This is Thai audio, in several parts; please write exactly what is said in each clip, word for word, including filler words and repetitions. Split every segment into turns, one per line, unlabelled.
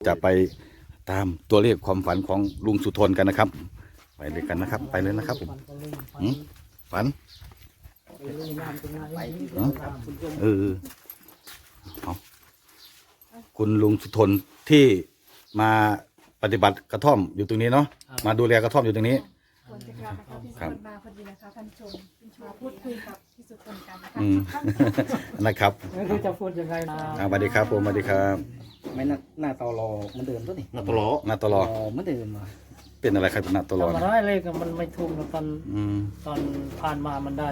จะไปตามตัวเลขความฝันของลุงสุทนกันนะครับไปเลยกันนะครับไปเลยนะครับผมฝันเออเอาคุณลุงสุทนที่มาปฏิบัติกระท่อมอยู่ตรงนี้เนาะมาดูแลกระท่อมอยู่ตรงนี้
ควรจะกลับนะคะพี่สุทนมาพอดีนะคะท่านชมมาพูดคุยกับพี่สุทนกันนะคะ
อืม นะครับ
ไม่รู้จะพูดยังไงนะ
อ่าสวัสดีครับผมสวัสดีครับ
ไม่หน้าหน้าตอรอเหมือนเดิมตัวนี่
หน้าตลอหน้าตลอ
เหมือนเดิมว่ะ
เป็นอะไรครับหน้าตลอ
ทำอะไรเลยก็มันไม่ถูกนะตอน
อืม
ตอนผ่านมามันได้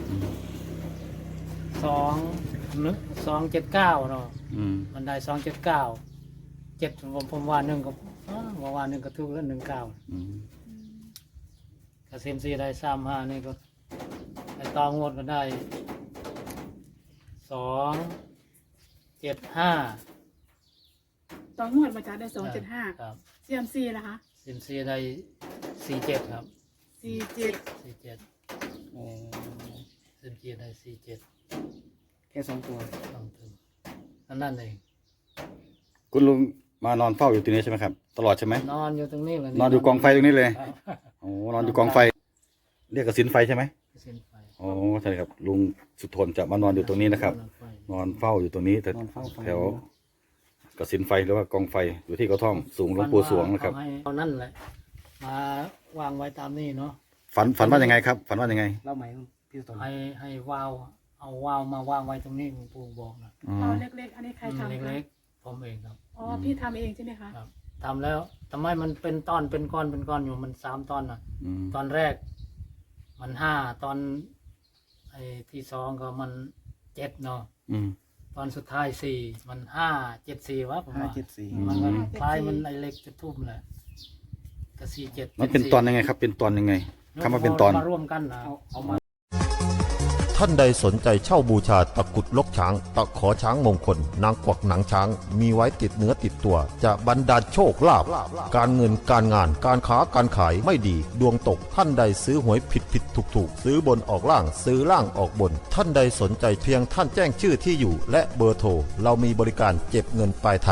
สองหนึ่งสองเจ็ดเก้าเนาะ
อืม
มันได้สองเจ็ดเก้าเจ็ดผมผมว่าหนึ่งก็อ้าวว่าว่าหนึ่งก็ถูกแล้วหนึ่งเก้า
อืม
กระเซ็มซีได้สามห้านี่ก็ไอ้ตองวดก็ได้สองเจ็ดห้า
ตอนงวดมาจากได้สองเจ็ดห้า
ครับ
เซียมซีนะคะ
เซ็มซีได้สี่เจ็ดครับ
สี่เจ็ด
สี่เจ็ด
โอ้
เซ็มซีได้สี่เจ็ด
แค่สองตัว
ต้องถึงนั่นนั่นเอง
คุณลุงมานอนเฝ้าอยู่ตรงนี้ใช่ไหมครับตลอดใช่ไหม
นอนอยู่ตรงนี้เลย
นอนอยู่กองไฟตรงนี้เลย
ครับ
โอ้นอนอยู่กองไฟ เรียกกระสินไฟใช่ไหม
เส้นไฟ
อ๋อใช่ครับลุงสุทนจะมานอนอยู่ตรงนี้นะครับ นอนเฝ้าอยู่ตรงนี้แต่
นอนเฝ้าฟัง
แถวกระสินไฟหรือว่ากองไฟอยู่ที่กระท่อมสูงหลวงปู่สวงนะครับ
เอาให้เอานั่นแหละมาวางไว้ตามนี้เนาะ
ฝันฝันว่ายังไงครับ ฝันว่ายังไง
เล่าไหมพี่ตน
ให้ให้วาวเอาวาวมาวางไว้ตรงนี้หลวงปู่บอกนะ
อ๋อ
เอาเล็กๆ อันนี้ใครทำคะ
เล็กๆผมเองครับ
อ๋อพี่ทำเองใช่ไหมคะ
ครับทำแล้วทำไมมันเป็นตอนเป็นก้อนเป็นก้อนอยู่มันสามตอนน่ะ
อืม
ตอนแรก มันห้าตอนไอ้ที่สองก็มันเจ็ดเนาะ
อืม
ตอนสุดท้ายสี่มันห้าเจ็ดสี่วะผม
ห้า
ว่า
เจ็ดสี่
มันก็คล้ายมันไอเล็กจะทุ่มแหละก็สี่เจ็ด
มันเป็นตอนยังไงครับ เป็นตอนยังไงคำว่าเป็นตอน
มาร่วมกันนะ
เอาเอามา
ท่านใดสนใจเช่าบูชาตะกรุดลกช้าง ตะขอช้างมงคล นางกวักหนังช้าง มีไว้ติดเนื้อติดตัว จะบรรดาลโชคลาภการเงินการงานการค้าการขายไม่ดี ดวงตกท่านใดซื้อหวยผิดผิดถูกถูกซื้อบนออกล่างซื้อล่างออกบน ท่านใดสนใจเพียงท่านแจ้งชื่อที่อยู่ และเบอร์โทรเรามีบริการเก็บเงินปลายทาง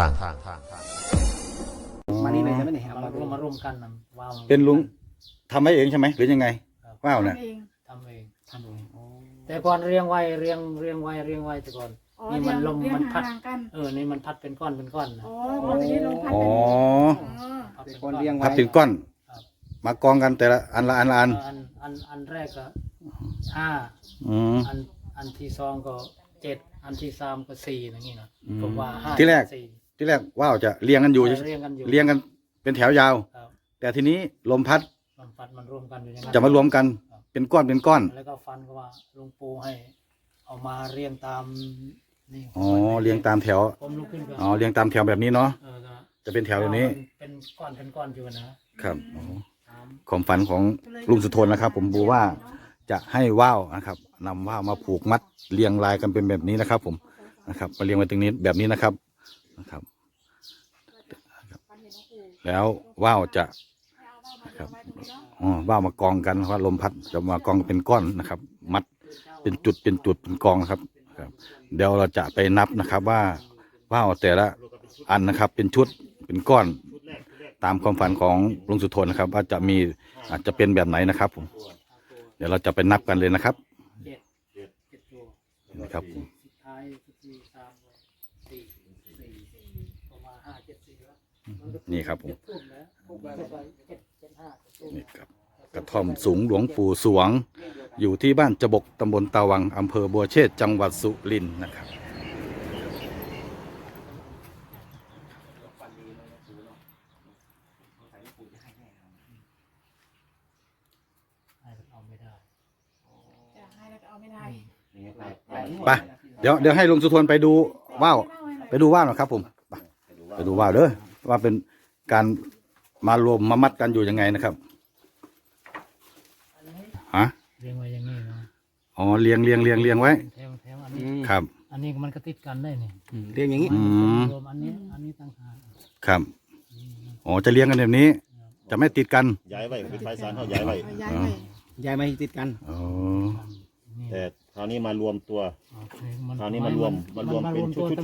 มานี่เลยใช่ไหมเนี่ยเอา
มา
มา
ร่วมมาร่วมกันนะว้าว
เป็นลุงทำให้เองใช่ไหมหรือยังไงว้าวเนี่ย
ทำเอง
ทำเอง
ทำเองโอ้
แต่ก่อนเรียงไว้เรียงเรียงไว้เรียงไว้แต่ก่อน
อ๋อ
นี่
เรี
มั
ย
น
ง
ลม
เรียง
มันพัด
ห่างๆกัน
เออนี่มันพัดเป็นก้อนเป็นก้อนนะ
อ๋อพอทีนี้ลงพัด
อ๋อ
เป็นอ๋อ
พัด
แต่
เป็น
ก่อน
ก้อน
เรียงไว้
พับเป็นก้อน
ครับ
มากองกันแต่ละอันละอันละอัน
อันอันอันแรกก็ห้า
อืม
อันอันที่สองก็เจ็ดอันที่สามก็สี่อย่างนี้นะ
อืม
ผมว่าห้า
ที่แรก
สี่
ที่แรกว้าวจะเรียงกันอยู่
เรียงกันอยู่
เรียงกันเป็นแถวยาว
ครับ
แต่ทีนี้ลมพัด
มันพัดมันรวมกันอยู่อย่างนั้น
จะมารวมกันเป็นก้อนเป็นก้อน
แล้วก็ฟันก็ว่าหลุงปู่ให้ เอามาเรียงตามนี่
อ๋อเรียงตามแถว
ผมลุกขึ้นก็
อ๋อเรียงตามแถวแบบนี้เนาะ
เออก็
จะเป็นแถวแบบนี้
เป็นก้อนเป็นก้อนอยู่นะครับ
อ๋อ
ตาม
ความฝันของลุงสุทนนะครับ ผมดูว่าจะให้ว่าวนะครับนำว่าวมาผูกมัดเรียงรายกันเป็นแบบนี้นะครับ ผมนะครับมาเรียงไว้ตรงนี้แบบนี้นะครับนะครับ แล้วว่าวจะนะครับอ๋อว่าวมากองกันเพราะลมพัดจะมากองเป็นก้อนนะครับ มัดเป็นจุดเป็นจุดเป็นกองนะครับครับ เดี๋ยวเราจะไปนับนะครับ ว่าว่าวแต่ละอันนะครับ เป็นชุดเป็นก้อน ตามความฝันของลุงสุทนนะครับ ว่าจะมีอาจจะเป็นแบบไหนนะครับ ผม เดี๋ยวเราจะไปนับกันเลยนะครับ
เจ็ดเจ็ดตัว
นะครับผม
สุดท้ายสี่สามสี่สี่ประมาณห้าเจ็ดสี่แล้ว
นี่ครับผม
ทุ่มแล้วทุ่มไปเจ็ดเจ็ดห้าทุ่ม
นี่ครับกระท่อมสูงหลวงปู่สวง อยู่ที่บ้านจบกตำบลตาวังอำเภอบัวเชษจังหวัดสุรินทร์นะครับ
ให้เอาไม่ได้
จะให้แล้วก็เอาไม่ได้
ไปเดี๋ยวเดี๋ยวให้ลุงสุทนไปดูว่าวไปดูว่าวหน่อยครับ ผมไปไปดูว่าวเด้อว่าเป็นการมารวมมามัดกันอยู่ยังไงนะครับฮะ
เรียงไว้อย่างนี้เนาะ
อ๋อเรียงเรียงเรียงเรียงไว้
แถวแถวอัน
อื
นี้
ม
ครับ
อันนี้มันก็ติดกันได้นี่
อืมเรียงอย่างนี้
อืม
รวมอันนี้อันนี้ต่างหาก
ครับอ๋อจะเลี้ยงกันแบบนี้ จะไม่ติดกัน
ย้ายไว้เป็นไฟสารเขาย้ายไว้
เอาย้ายไป
ย้ายมาให้ติดกัน
อ๋อ
นี่
แต่คราวนี้มารวมตัว
โอเค
คราวนี้มารวมมารวมเป็นชุดชุดชุด
ม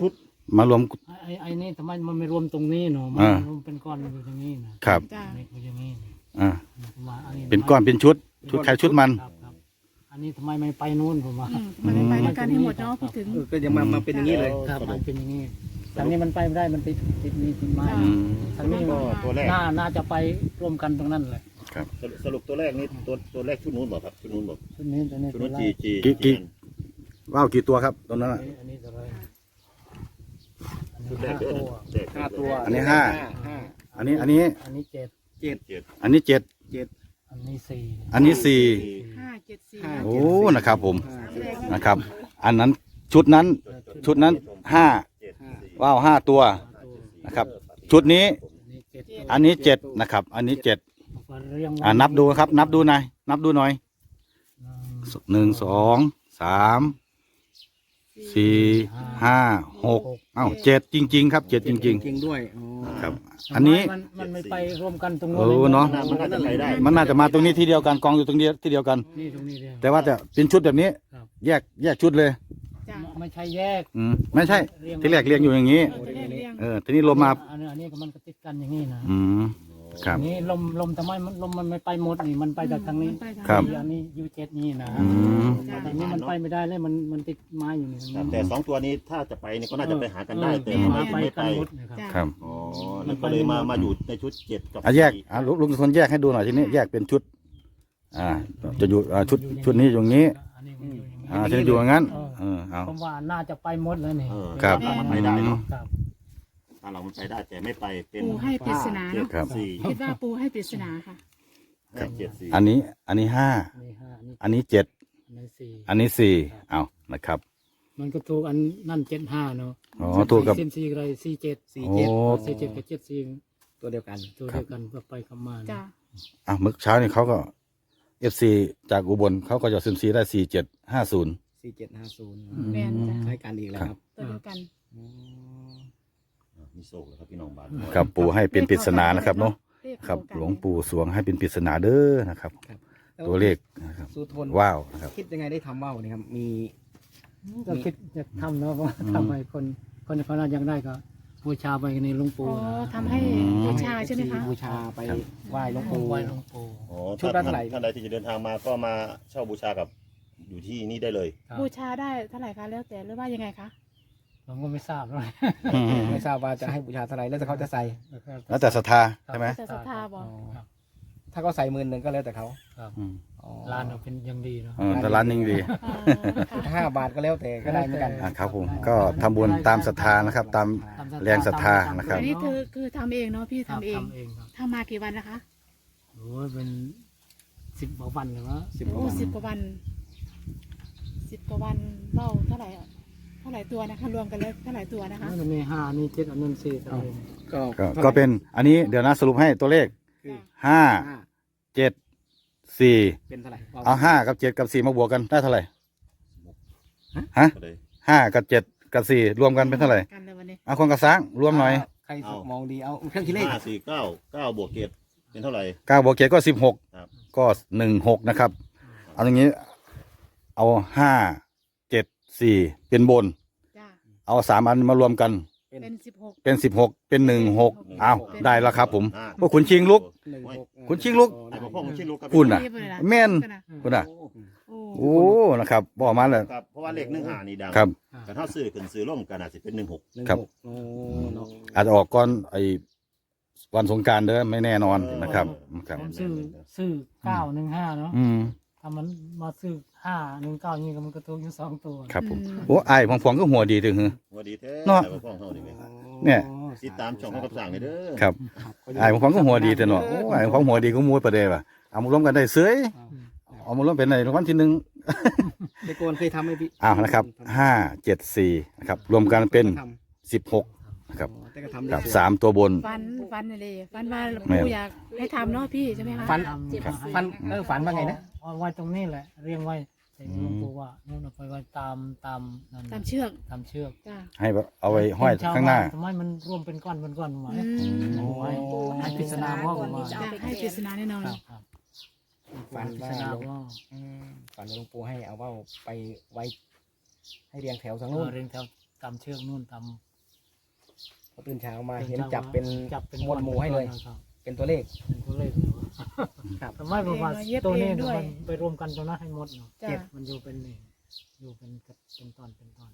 มารวม
ไอ้ไอ้นี่ทำไมมันไม่รวมตรงนี้เนาะมัน
อ่า
รวมเป็นก้อนอยู่ตรงนี้นะครับ
จ้า
อันนี้ก็อย่างนี้นะ
อ่า
ผมว่าอันนี้
เป็นก้อนเป็นชุด ชุดใครชุดมัน
ครับครับอันนี้ทำไมไม่ไปนู่นผมว่า
อืมมันไม่ไปด้วยกันให้หมดเนาะพูดถึง
เออก็ยังมามาเป็นอย่างนี้เลย
ครับมันเป็นอย่างนี้ทางนี้มันไปไม่ได้มันติดติดนี่ติดไม้
จ้ะ
อืม
ทางนี้
ก็ตัวแรก
น่าน่าจะไปร่วมกันตรงนั้นแหละ
ครับ
สรุปสรุปตัวแรกนี่ตัวตัวแรกชุดนู้นบอกครับชุดนู้นบอก
ชุดนี้ตัวนี้
ชุด
ตัว
นู้น
แร
จี
ก
จี
กี่กี่
อัน
ว่าวกี่ตัวครับตรงนั้น
อั
อะ
นนี้อันนี้ตัวแรกอัน
ชุ
นี้
ดแรก
ห้า
เด้อ
ตัว
แรก
ห้าตัว
อันนี้ห้า
ห้า
อันนี้อันนี้
อันนี้เจ็ด
เจ็ด
เจ็ด
อันนี้เจ็ด
เจ็ด
อันนี้สี่
อันนี้สี่
ห้าเจ็ดสี่
ห้า
โอ้นะครับผม
ห้า
แรก
นะครับ อันนั้นชุดนั้นชุดนั้นห้า
เจ็ดสี่
ว่าวห้าตัว
ห้าตัว
นะครับ ชุดนี้
อันนี้เจ็ดตัว
อันนี้เจ็ดนะครับ อันนี้เจ็ด
เอาเรียงไว้
อ่านับดูครับ นับดูหน่อยนับดูหน่อย
หนึ่ง
หนึ่งสองสามสี่ห้าหกเอ้าเจ็ดจริง ๆ ครับเจ็ดจริง
จริงด้วยอ๋อ
ๆ ครับ อันนี้
มันมันไม่ไปร่วมกันตรง
เออเนาะ
มันน่าจะไปได้
มันน่าจะมาตรงนี้ที่เดียวกันกองอยู่ตรงนี้ที่เดียวกัน
นี่ตรงนี้เดียว
แต่ว่าจะเป็นชุดแบบนี้
ครับ
แยกแยกชุดเลย
จ้า
ไม่ใช่แยก
อืมไม่ใช่ ที่แรกเรียงอยู่อย่างนี้
เออจะเรียงเรียง
เออทีนี้ลมมา
อันนี้อันนี้ก็มันก็ติดกันอย่างนี้นะ
อืมครับ
นี่ลมลมทำไมมันลมมันไม่ไปหมดนี่มันไปจากทางนี้
มันไปทาง
ครับ
นี้
อันนี้ยูเจ็ดนี่นะ
อืม
จ้า
ทางนี้มันไปไม่ได้เลยมันมันติดไม้อยู่นี่
ครับแต่สองตัวนี้ถ้าจะไปนี่ก็น่าจะไปหากันได้แต่
เออ
มัน
ไป
ไม่
กั
ไป
นหมดนะครับ
จ้า
ครับ
อ๋อแล้วก็เลยมามาอยู่ในชุดเจ็ดกับ
อ่ะแยก
สี่
อ่ะลุงลุงคนแยกให้ดูหน่อยทีนี้แยกเป็นชุด อ่า จะอยู่อ่าชุดชุดนี้อยู่อย่างนี้
อันนี้มันอยู่อย่างนี้
อ่าทีนี้อยู่อย่างนั้น เออเอา
ผมว่าน่าจะไปหมดแล้วนี่
เออ
ครับ
ถ้ามันไปได้เนาะ
ครับ
ถ้าเรามันไปได้แต่ไม่ไปเป็น
ปูให้ปริศนา
เจ็ด
เนาะ
ครับ
สี่
คิดว่าปูให้ปริศนาค่ะ
เจ็ดสี่
อันนี้อันนี้ห้า
อันนี้ห้าอันนี้
อันนี้เจ็ด
อันนี้สี่
อันนี้สี่เอานะครับ
มันก็ถูกอันนั่นเจ็ดห้าเนาะ
อ๋อถูกกับ
เส้นสี่อะไรสี่เจ็ด
สี่
โอ้
เจ็ด
สี่เจ็ดกับเจ็ดสี่
ตัวเดียวกัน
ตัวเดียวกันก็ไปคำมานะ
จ้า
อ่ะเมื่อเช้านี่เขาก็เอฟซีจากอุบลเขาก็จะซึมซีได้สี่เจ็ดห้าศูนย์
สี่เจ็ดห้าศูนย์
แมนจ้า
ใช้การอีกแล้วครับ
ตัวเดียวกัน
อ๋อ
มีโซ่แล้วครับพี่น้องบ้าน
ครับปู่ให้เป็นปริศนานะครับเนาะ
เลข
ครับ
เท่ากัน
หลวงปู่สวงให้เป็นปริศนาเด้อนะครับ ตัวเลขนะครับ
สุทน
ว้าวนะครับ
คิดยังไงได้ทำว่าวเนี่ยครับ มี
ก็คิดจะทำเนาะเพราะว่าทำให้คนคนเขาน่ายังได้ก็บูชาไปในหลวง
อ๋
ปู่
อ
นะ
ทำให้บูชาใช่ไหมคะ
บูชาไปไหว้หลวง
ปู
ปู่
ไว้หลวงปู่
อ๋อ
ชุดละเท่าไหร่
ท่านใดที่จะเดินทางมาก็มาเช่าบูชากับอยู่ที่นี่ได้เลย
ครับ
บูชาได้เท่าไหร่คะแล้วแต่หรือว่ายังไงคะ
ผมก็ไม่ทราบเลย
ไม่ทราบว่าจะให้บูชาเท่าไหร่แล้วแต่เขาจะใส่
แล้วแต่ศรัทธาใช่ไหม
แต่ศรัทธาบอก
ครับ
ถ้าเขาใส่หมื่นหนึ่งก็แล้วแต่เขา
ครับ
อืม
อ๋อ
ร้านเราเป็นอยังดีเนาะ
เออแต่ร้านยังดี
อ๋อค่ะ
ห้าบาทก็แล้วแต่ก็ได้เหมือนกัน
อ่ะครับผมก็ทำบุญตามศรัทธานะครับ ตาม แรงศรัทธานะครับ
อันนี้คือคือทำเองเนาะพี่
ครับ
ทำเอง
ทำเองครับ
ทำมากี่วันนะคะ
โอ้ยเป็นสิบกว่าวันเลยวะ
สิบกว่า
โอ้
วัน
สิบกว่าวันสิบกว่าวันเล่าเท่าไหร่อะเท่าไหร่ตัวนะคะรวมกันแล้วเท่าไหร่ตัวนะคะ
อันนี้ห้าอันนี้เจ็ดอันนั้นสี่อะไร
ก็
ก็ก็เป็นอันนี้เดี๋ยวนะสรุปให้ตัวเลข
คือ
ห้า
ห้า
เจ็ดสี่
เป็นเท่าไหร่
เอาห้ากับเจ็ดกับสี่มาบวกกันได้เท่าไหร่ฮะ
ก็เลย
ห้ากับเจ็ดกับสี่รวมกันเป็นเท่าไหร่
กันเลยวันนี้
เอาคนกระซังรวมหน่อย
ใครมองดีเอาเครื่องคิดเลข
ห้าสี่เก้าเก้าบวกเจ็ดเป็นเท่าไหร่
เก้าบวกเจ็ดก็สิบหก
ครับ
ก็หนึ่งหกนะครับ เอาอย่างนี้ เอาห้าเจ็ดสี่เป็นบน
จ้า
เอาสามอันมารวมกัน
เป็นสิบหก
เป็นสิบหกเป็นหนึ่งหก
เป็น
เอา
เป็น
ได้แล้วครับผม
อ่า
พวกคุณชิงลุก
หนึ่งหก
คุณชิงลุก
ไอ้พวกพ่อคุณชิงลูกครับ
พูดน่ะ
รีบเลยนะ
แม่น
กันนะ
คุณอ่ะ
โอ้
โอ้ นะครับบอกมาเลย
ครับเพราะว่าเลขหนึ่งหานี่ดัง
ครับ
แต่ถ้าซื้อขึ้นซื้อล่มกันอาจจะเป็นหนึ่งหก
หนึ่ง
ครับ
หกโอ้เนาะ
อาจจะออกก่อนไอ้วันสงกรารเด้อไม่แน่นอนนะครับครับ
ผมซื้อซื้อเก้าหนึ่งห้าเนาะ
อืม
ถ้ามันมาซื้อห้าหนึ่งเก้านี่ก็มันก็ถูกอยู่สองตัว
ครับผมโอ้ไอ้พองๆก็หัวดีถึงหือ
ว่าดีแท้
เนาะ
ไอ้พวกพ่อเขานี่ไหม
เนี่ย
ติดตามช่องเขากับสั่งเลยเด้อ
ครับ ไอ้พองๆก็หัวดีแต่เนาะโอ้ไอ้พองหัวดีก็มูดประเดี๋ยวว่ะเอามารวมกันได้เสยเอามารวมเป็นในรางวัลที่หนึ่ง
เด็กโกนเคยทำไหมพี่
อ้าวนะครับห้าเจ็ดสี่นะครับรวมกันเป็นสิบหกนะครับ
แต่ก็ทำ
กับ
ได้
สามตัวบน
ฟันฟันเลยฟันว่า
แม่
ปู่อยากให้ทำเนาะพี่ใช่ไหมคะ
ฟัน
ครับ
ฟันเออฝันว่าไงนะ
เอาไว้ตรงนี้แหละ เรียงไว้แต่หลวงปู่ว่านู่นเอาไปไว้ตามตามนั่น
ตามเชือก
ตามเชือก
จ้า
ให้เอาไว้ห้อยข้างหน้า
ทำไมมันรวมเป็นก้อนเป็นก้อนมา
อืม
เอาไว้ให้ปริศนาว่าผมว่า
จะให้ปริศนาแน่นอน
ครับครับ
ฝัน
ปริ
ว่า
ศนา
หลวง
ว่า
อืมฝันว่าหลวงปู่ให้เอาว่าวไปไว้ ให้เรียงแถวสัง
เอ
นู่
อน เรียงแถวตามเชือกนู่นตาม
พอตื่นเช้ามาเห็นจับเป็น
จับเป็น
มวลหมู่ให้เลย
ครับ
เป็นตัวเลข
เป็นตัวเลขเลยวะ
ครับ
ทำไมผมว่า
เย็บ
ตัวนี้
เองด้วย
มันไปรวมกันตรงนั้นให้หมดเนาะ
จ้ะ
เจ็ดมันอยู่เป็นนี่อยู่เป็นกับเป็นตอนเป็นตอน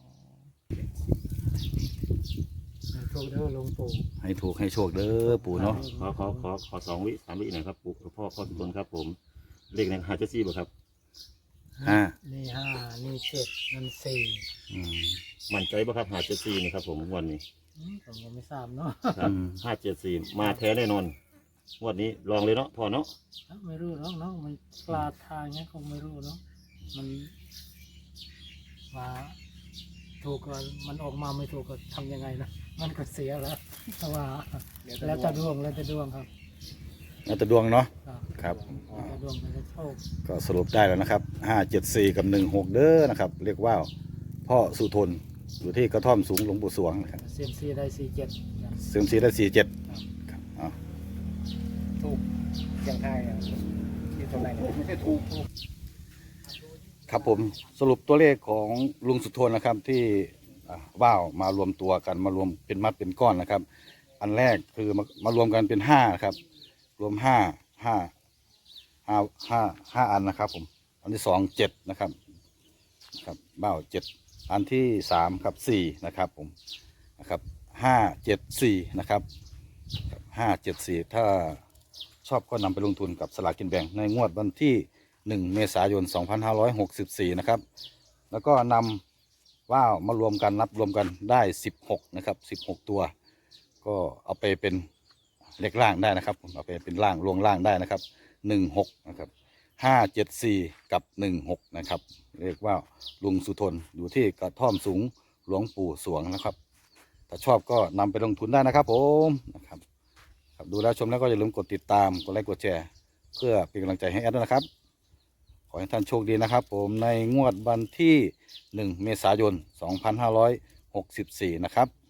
ถูกเด้อหลวงปู่
ให้ถูกให้โชคเด้อปู่เนาะ
ขอขอขอขอสองวิสามวิหน่อยครับปู่พ่อพ่อทุกคนครับผม เลขในหาเจดสี่บ่ครับ
ห้า
นี่ห้านี่เจ็ดนั่นสี่
อืม
มั่นใจบ่ครับหาเจดสี่นี่ครับผมงวันนี้
อืมผมก็ไม่ทราบเนาะ
ครับ
อืม
ห้าเจ็ดสี่มาแท้แน่นอนงวดนี้ลองเลยเนาะพ่อเนาะ
ไม่รู้หรอกเนาะมันปลาทางเงี้ยคงไม่รู้เนาะมันว่าถูกก็มันออกมาไม่ถูกก็ทำยังไงนะมันก็เสียแล้วเพราะว่าแล้วแต่ดวงแล้วแต่ดวงครับ
แล้วแต่ดวงเนาะ
ครับ
ครับ
แล้วแต่ดวงแล้วแต่โชค
ก็สรุปได้แล้วนะครับห้าเจ็ดสี่กับหนึ่งหกเด้อนะครับ เรียกว่าพ่อสุทนอยู่ที่กระท่อมสูงหลวงปู่สวงนะครับ
เซียมซีได้สี่เจ็ด
เซียมซีได้สี่เจ็ดครับอ๋อ
ถูกเสียงไทายอ่ะที่ตรงไหนเนี่ยไม่ใช่ถูก
ครับผมสรุปตัวเลขของลุงสุทนนะครับที่อ่าว่าวมารวมตัวกันมารวมเป็นมัดเป็นก้อนนะครับ อันแรกคือมามารวมกันเป็นห้าครับ รวมห้าห้าห้าห้าห้าอันนะครับผมอันที่สองเจ็ดนะครับนะครับว่าวเจ็ดอันที่สามครับสี่นะครับผมนะครับห้าเจ็ดสี่นะครับห้าเจ็ดสี่ถ้าชอบก็นำไปลงทุนกับสลากกินแบ่งในงวดวันที่หนึ่งเมษายนสองพันห้าร้อยหกสิบสี่นะครับแล้วก็นำว่าวมารวมกันนับรวมกันได้สิบหกนะครับสิบหกตัว ก็เอาไปเป็นเลขล่างได้นะครับผมเอาไปเป็นล่างลวงล่างได้นะครับหนึ่งหกนะครับห้าเจ็ดสี่กับหนึ่งหกนะครับเรียกว่าลุงสุทนอยู่ที่กระท่อมสูงหลวงปู่สวงนะครับถ้าชอบก็นำไปลงทุนได้นะครับผมนะครับครับดูแล้วชมแล้วก็อย่าลืมกดติดตามกดไลค์กดแชร์เพื่อเป็นกำลังใจให้แอดด้วยนะครับขอให้ท่านโชคดีนะครับผมในงวดวันที่หนึ่งเมษายนสองพันห้าร้อยหกสิบสี่นะครับ